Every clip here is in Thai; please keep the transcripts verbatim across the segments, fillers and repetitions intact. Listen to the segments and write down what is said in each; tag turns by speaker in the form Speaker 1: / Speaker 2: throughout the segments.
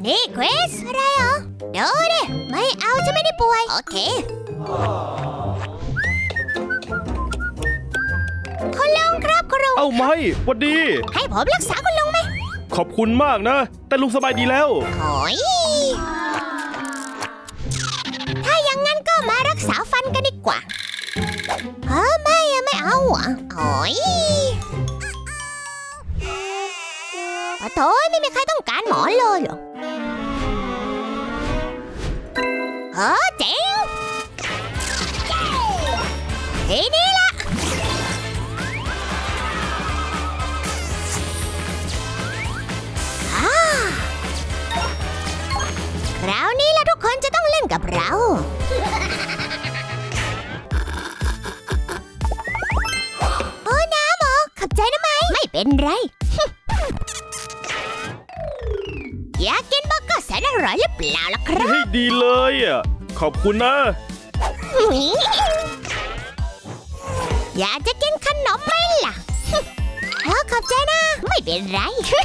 Speaker 1: นี่คริสอะไรเหรอเดี๋ยวดิไม่เอาฉันไม่ได้ป่วยโอเคคุณลุงครับคุณลุง
Speaker 2: เอ้าไม่หวัดดี
Speaker 1: ให้ผมรักษาคุณลุงไหม
Speaker 2: ขอบคุณมากนะแต่ลุงสบายดีแล้ว
Speaker 1: โอ้ยถ้าอย่างงั้นก็มารักษาฟันกันดีกว่าเออไม่อะไม่เอาอ่ะโอ้ยโอ้โถไม่มีใครต้องการหมอเลยเหรอเออเจ๋งทีนี้ละคราวนี้ละทุกคนจะต้องเล่นกับเราโอ้น้ำเหรอขับใจนะไหมไม่เป็นไร อยากกินเบอร์เกอร์แสนอร่อยหรือเปล่าล่ะครับ
Speaker 2: ให้ดีเลยอ่ะขอบคุณนะ
Speaker 1: อยากจะกินขนมไหมล่ะเออขอบใจนะไม่เป็นไร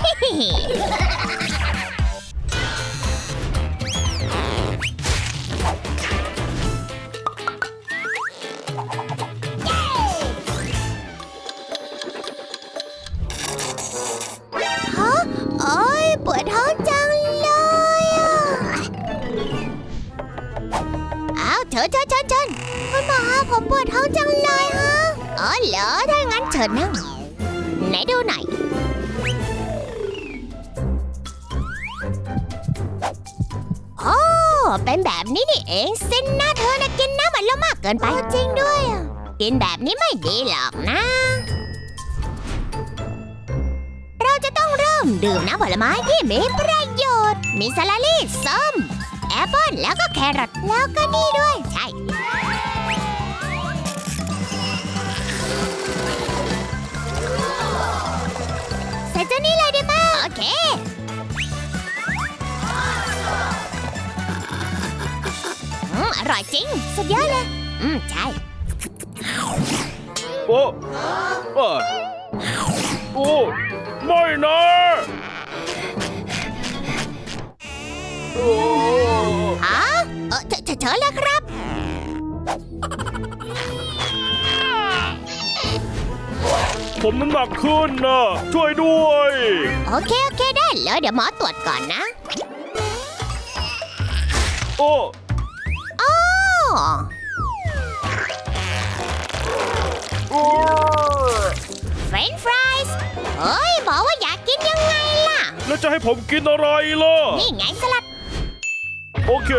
Speaker 1: ฮะโอ้ยปวดท้องจังเลยอ่ะอ้าวเชิญเชิญเชิญเชิญคุณหมอผมปวดท้องจังเลยฮะอ๋อเหรอถ้างั้นเชิญนั่งไหนดูหน่อยโอ้เป็นแบบนี้นี่เองสินนะเธอนะกินน้ำมันแล้วมากเกินไปจริงด้วยอ่ะกินแบบนี้ไม่ดีหรอกนะเราจะต้องเริ่มดื่มน้ำผลไม้ที่มีประโยชน์มีสลัดลี่ส้มแอปเปิ้ลแล้วก็แครอทแล้วก็นี่ด้วยใช่ใส่เจ้านี่เลยได้ไหมโอเคอืมอร่อยจริงสุดยอดเลยอืมใช่
Speaker 2: โอ้เออโอ้ไม่นะโอ้
Speaker 1: ฮะเออเชิญเชิญเลยครับ
Speaker 2: ผมน้ำหนักขึ้นนะช่วยด้วย
Speaker 1: โอเคโอเคได้เลยเดี๋ยวหมอตรวจก่อนนะ
Speaker 2: โอ้
Speaker 1: อ๋อ
Speaker 2: โอ้
Speaker 1: เฟรนช์ฟรายส์เฮ้ยบอกว่าอยากกินยังไงล่ะ
Speaker 2: แล้วจะให้ผมกินอะไรล่ะ
Speaker 1: นี่ไงสลัด
Speaker 2: โอเค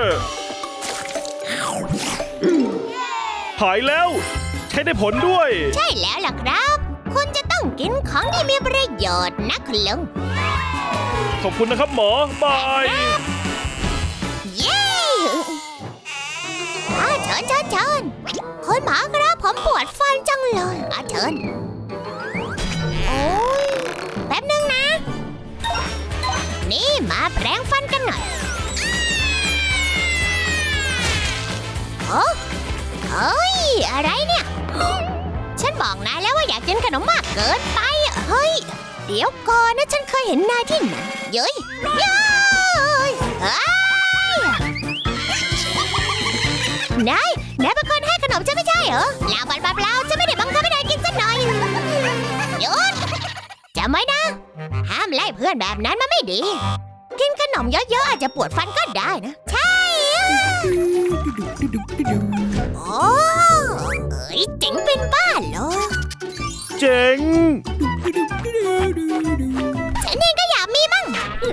Speaker 2: หายแล้วใช้ได้ผลด้วย
Speaker 1: ใช่แล้วล่ะครับ คุณจะต้องกินของที่มีประโยชน์นะคุณลุง
Speaker 2: ขอบคุณนะครับหมอบาย
Speaker 1: เย้อาเชิญเชิญเชิญคุณหมอครับผมปวดฟันจังเลยอาเชิญโอ้ยแป๊บนึงนะ นี่มาแปรงฟันกันหน่อยโอ้เฮ้ยอะไรเนี่ย ฉันบอกนายแล้วว่าอยากกินขนมมากเกินไปเฮ้ยเดี๋ยวก่อนนะฉันเคยเห็นนายที่ไหนเย้ยเย้ยเฮ้ยนายนายเป็นคนให้ขนมฉันไม่ใช่เหรอเปล่าเปล่าเปล่าฉันไม่ได้บังคับให้นายกินสักหน่อยหยุดจำไว้นะห้ามไล่เพื่อนแบบนั้นมันไม่ดีกินขนมเยอะๆอาจจะปวดฟันก็ได้นะใช่โอ้เอ้ยเจ๋งเป็นบ้าเหรอ
Speaker 2: เจ๋ง
Speaker 1: ฉันเองก็อยากมีมั่ง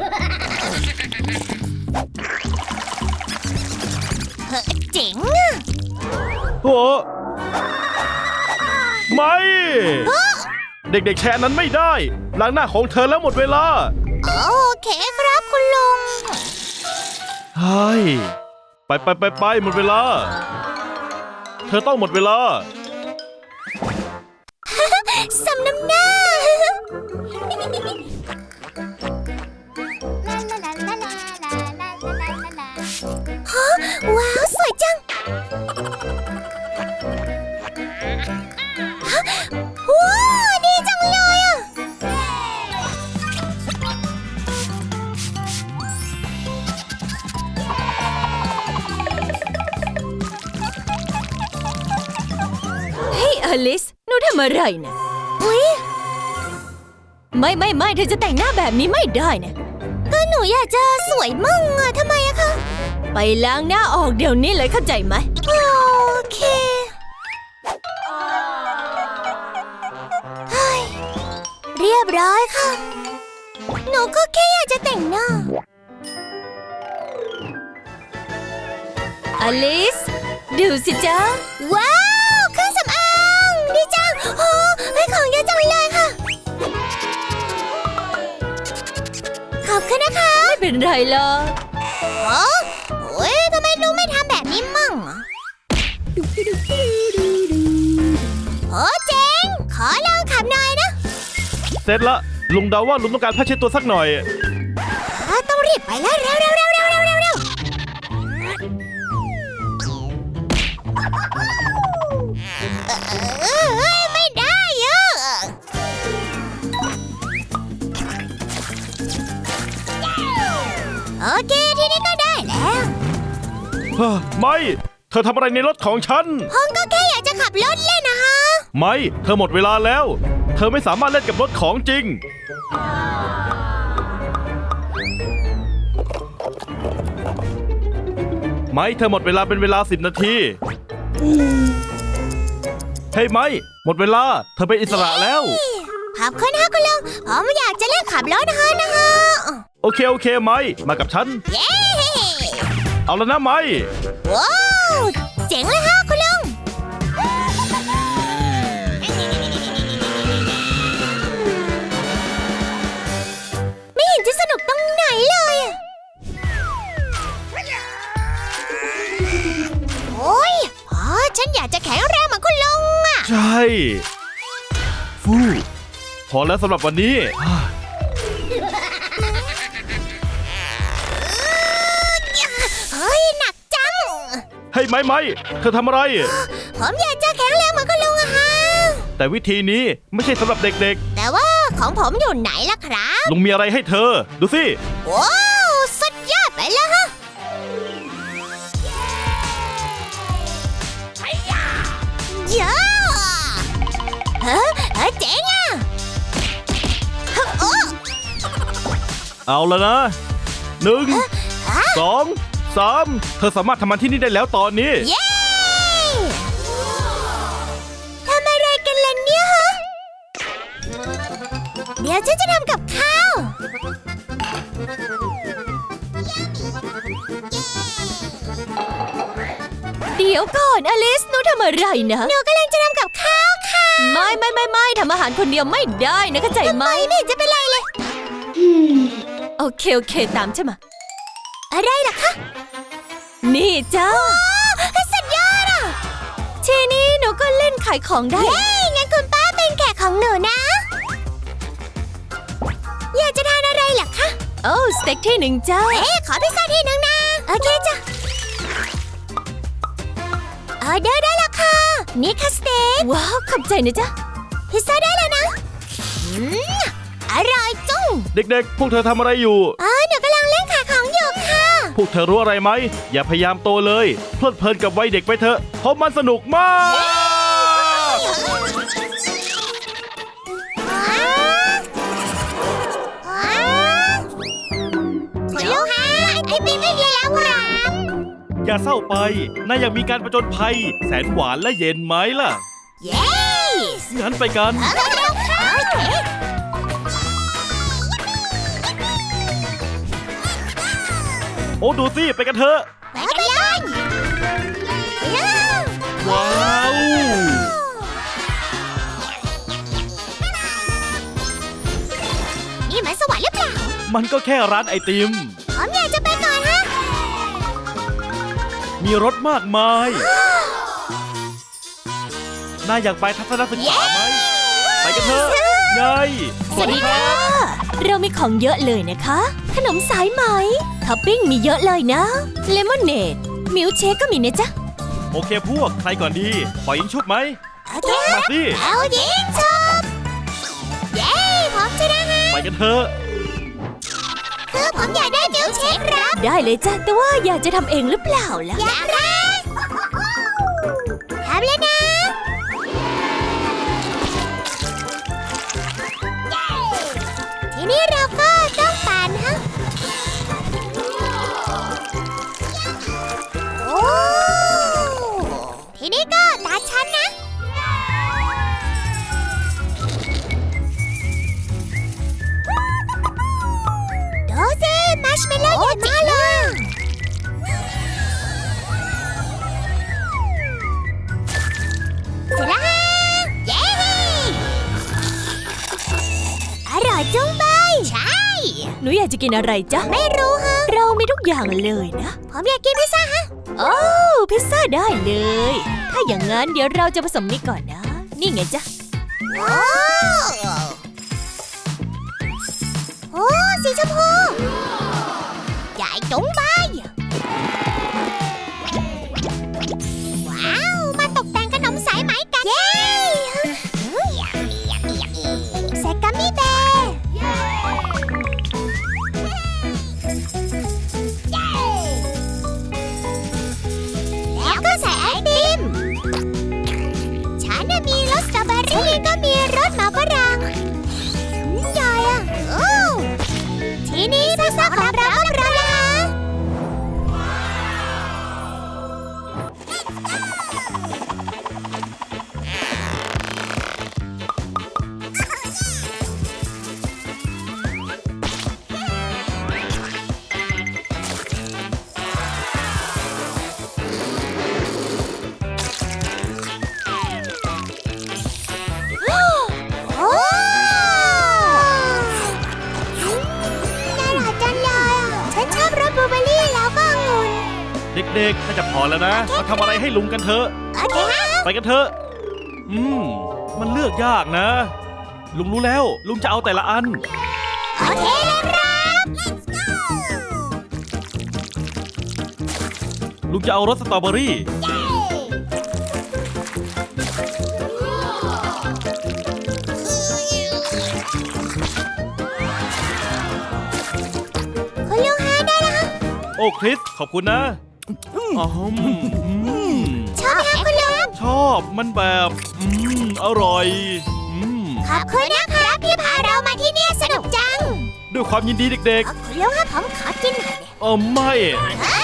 Speaker 1: เฮ้ยเจ๋งอะ
Speaker 2: โอ้ไม่เด็กๆแชร์นั้นไม่ได้ล้างหน้าของเธอแล้วหมดเวลา
Speaker 1: โอเคครับคุณลุง
Speaker 2: เฮ้ยไปไปไปไปหมดเวลา เธอต้องหมดเวลา
Speaker 1: สำน้ำหน้าฮะว้าวสวยจังฮะว้าวดีจังเลยอ่ะ
Speaker 3: ลิสหนูทำอะไรนะอุ๊ยไม่ไม่ไม่เธอจะแต่งหน้าแบบนี้ไม่ได้นะก็หนูอยากจะสวยมั่งอะทำไมอะคะไปล้างหน้าออกเดี๋ยวนี้เลยเข้าใจไหมโอเคเฮ้ยเรียบร้อยค่ะหนูก็แค่อยากจะแต่งหน้าอลิสดูสิจ๊ะว้าวเครื่องสำอางดีจังโอ้ให้ของเยอะจังเลยค่ะขอบคุณนะคะไม่เป็นไรหรอก
Speaker 1: โอ้โอ้ยทำไมลุงไม่ทำแบบนี้มั่งอะโอ้เจ๋งขอลองขับหน่อยนะ
Speaker 2: เสร็จละลุงเดาว่าลุงต้องการผ้าเช็ดตัวสักหน่อย
Speaker 1: อ่าต้องรีบไปแล้วเร็วเร็วเร็วเร็วเร็วเร็วเร็วเออเอ้ยไม่ได้เยอะโอเคทีนี้ก็ได้แล้ว
Speaker 2: เฮ้อไม่เธอทำอะไรในรถของฉัน
Speaker 1: ผมก็แค่อยากจะขับรถเล่นนะฮะ
Speaker 2: ไม่เธอหมดเวลาแล้ว เธอไม่สามารถเล่นกับรถของจริง ไม่เธอหมดเวลาเป็นเวลาสิบนาทีเฮ้ยไม่หมดเวลาเธอเป็นอิสระแล้ว
Speaker 1: ขอบคุณฮะคุณลุงผมอยากจะเล่นขับรถนะฮะนะฮะ
Speaker 2: โอเคโอเคไม่มากับฉัน
Speaker 1: เย้
Speaker 2: เอาแล้วนะไม่
Speaker 1: ว้าวเจ๋งเลยฮะคุณลุงไม่เห็นจะสนุกตรงไหนเลยอะโอ้ยอ๋อฉันอยากจะแข็งแรงเหมือนคุณลุงอะ
Speaker 2: ใช่ฟูพอแล้วสำหรับวันนี้
Speaker 1: เฮ้ยหนักจัง
Speaker 2: เฮ้ยไม่ไม่เธอทำอะไร
Speaker 1: ผมอยากจะแข็งแรงเหมือนคุณลุงอะฮะ
Speaker 2: แต่วิธีนี้ไม่ใช่สำหรับเด็ก
Speaker 1: แต่ว่าของผมอยู่ไหนล่ะครับ
Speaker 2: ๆลุงมีอะไรให้เธอ ดูสิ
Speaker 1: ว้าวสุดยอดไปแล้วฮะเยอะเฮ้เฮ้เจ๋งอ่ะเฮ้โอ้
Speaker 2: เอาแล้วนะหนึ่ง
Speaker 1: ฮะ
Speaker 2: สองสามเธอสามารถทำมันที่นี่ได้แล้วตอนนี้
Speaker 1: เย้ทำอะไรกันล่ะเนี่ยฮะเดี๋ยวฉันจะทำกับข้าว
Speaker 3: เดี๋ยวก่อนอลิสหนูทำอะไรนะ
Speaker 1: หนูกำลังจะทำกับข้าวค่ะ
Speaker 3: ไม่ไม่ไม่ไม่ทำอาหารคนเดียวไม่ได้นะเข้าใจไหม
Speaker 1: ไม่ไม่เห็นจะเป็นไรเลย
Speaker 3: โอเคโอเคตามฉันมา
Speaker 1: อะไรล่ะคะ
Speaker 3: นี่จ้า
Speaker 1: สุดยอดอ่ะ
Speaker 3: ทีนี้หนูก็เล่นขายของได้
Speaker 1: เย้งั้นคุณป้าเป็นแขกของหนูนะ อยากจะทานอะไรล่ะคะ
Speaker 3: โอ้สเต็กที่หนึ่งจ้า
Speaker 1: เอ๊ะขอพิซซ่าที่หนึ่งนะ โอเคจ้ะออเดอร์ได้แล้วค่ะ นี่ค่ะสเต็ก
Speaker 3: ว้าวขอบใจนะจ๊ะ
Speaker 1: พิซซ่าได้แล้วนะอืมอร่อยจุ้ง
Speaker 2: เด็กๆ พวกเธอทำอะไรอยู่
Speaker 1: อ๋อหนูกำลังเล่นขายของอยู่ค่ะ
Speaker 2: พวกเธอรู้อะไรไหม อย่าพยายามโตเลย เพลิดเพลินกับวัยเด็กไปเถอะ เพราะมันสนุกมาก
Speaker 1: ว้าวว้าวคุณลูกฮะไอติมไม่มีแล้วครับ
Speaker 2: อย่าเศร้าไปนายอยากมีการประจนภัย แสนหวานและเย็นไหมล่ะ
Speaker 1: เย้
Speaker 2: งั้นไปกัน
Speaker 1: เอาเร็วๆค่ะโอเค
Speaker 2: โอ้ดูสิ ไปกันเถอะ
Speaker 1: ไปกันเลยเย้
Speaker 2: ว้าว
Speaker 1: นี่มันสวรรค์หรือเปล่า
Speaker 2: มันก็แค่ร้านไอติม
Speaker 1: ผมอยากจะไปก่อนฮะ
Speaker 2: มีรถมากมาย นายอยากไปทัศนศึกษาไหม ไปกันเถอะไง
Speaker 3: สวัสดีค่ะ เรามีของเยอะเลยนะคะ ขนมสายไหมท็อปปิ้งมีเยอะเลยนะเลมอนเนดมิลค์เชคก็มีนะจ๊ะ
Speaker 2: โอเคพวก ใครก่อนดีปล่อยยิงชุบไหม
Speaker 1: โอเค
Speaker 2: มาสิ
Speaker 1: เอายิงชุบเย้ผมชนะฮะ
Speaker 2: ไปกันเถอะ
Speaker 1: คือผมอยากได้มิลค์เชคครับ
Speaker 3: ได้เลยจ้ะแต่ว่าอยากจะทำเองหรือเปล่าล่ะ
Speaker 1: อยากได้ทำเลยนะชเมลโล่ใหญ่มากเลยเสร็จแล้วฮะเย้อร่อยจุ้งใบใช่
Speaker 3: หนูอยากจะกินอะไรจ๊ะ
Speaker 1: ไม่รู้ฮะ
Speaker 3: เรามีทุกอย่างเลยนะ
Speaker 1: ผมอยากกินพิซซ่าฮะ
Speaker 3: โอ้พิซซ่าได้เลย ถ้าอย่างนั้นเดี๋ยวเราจะผสมนี่ก่อนนะ นี่ไงจ๊ะ
Speaker 1: โอ้โอ้สีชมพูใหญ่จุ้งใบว้าวมาตกแต่งขนมสายไหมกัน เย้ใส่กัมมี่แบร์แล้วก็ใส่ไอติม ฉันน่ะมีรสสตรอเบอรี่ก็มีรสหมาฝรั่งอืมใหญ่อะโอ้ทีนี้พิซซ่าของเราก็พร้อมแล้วฮะโอ้อืมน่ารักจังเลยอ่ะ ฉันชอบรสบลูเบอร์รี่แล้วก็องุ่น
Speaker 2: เด็กๆน่าจะพอแล้วนะ มาทำอะไรให้ลุงกันเถอะ
Speaker 1: โอเคฮะ
Speaker 2: ไปกันเถอะ อืม มันเลือกยากนะ ลุงรู้แล้ว ลุงจะเอาแต่ละอัน
Speaker 1: โอเคเลยครับ
Speaker 2: ลุงจะเอารสสตรอเบอรี่
Speaker 1: คุณลุงฮะได้แล้วฮะ
Speaker 2: โอ้คริส ขอบคุณนะอ๋ออืม
Speaker 1: ชอบไหมคะคุณลุง
Speaker 2: ชอบ มันแบบ อืม อร่อย อืม
Speaker 1: ขอบคุณนะครับที่พาเรามาที่นี่สนุกจัง
Speaker 2: ด้วยความยินดีเด็ก
Speaker 1: เอ้าคุณลุงครับผมขอกินหน่อยดิ
Speaker 2: ๆ เออไม่
Speaker 1: เอ้